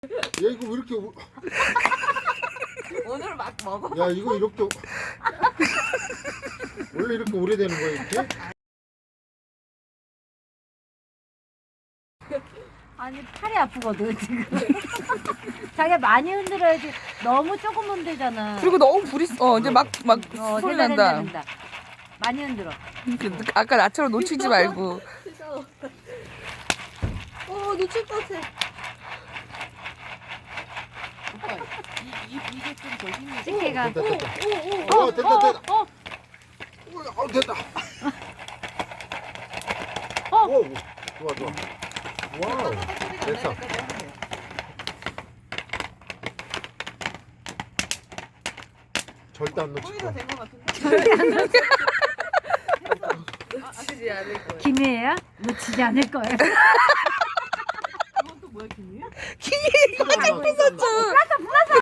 야 이거 왜 이렇게 오늘 막 먹어. 야 이거 이렇게 원래 이렇게 오래되는 거야 이렇게? 아니 팔이 아프거든 지금. 자기가 많이 흔들어야지. 너무 조금 흔들잖아. 그리고 너무 불이 이제 막 소리 된다, 난다. 된다. 많이 흔들어. 아까 나처럼 놓치지 말고. 놓칠 것 같아. 오빠 이게 좀 더 힘이 집게가. 됐다 됐다. 됐다 됐다. 됐다. 오, 좋아 좋아. 와우. 됐어. 절대 안 놓칠 거의 다 거야. 된 것 같은데. 놓치지 않을 거예요. 김이에요? 놓치지 않을 거예요. 이건 또 뭐야 김이야? 이거 잡고 있었죠.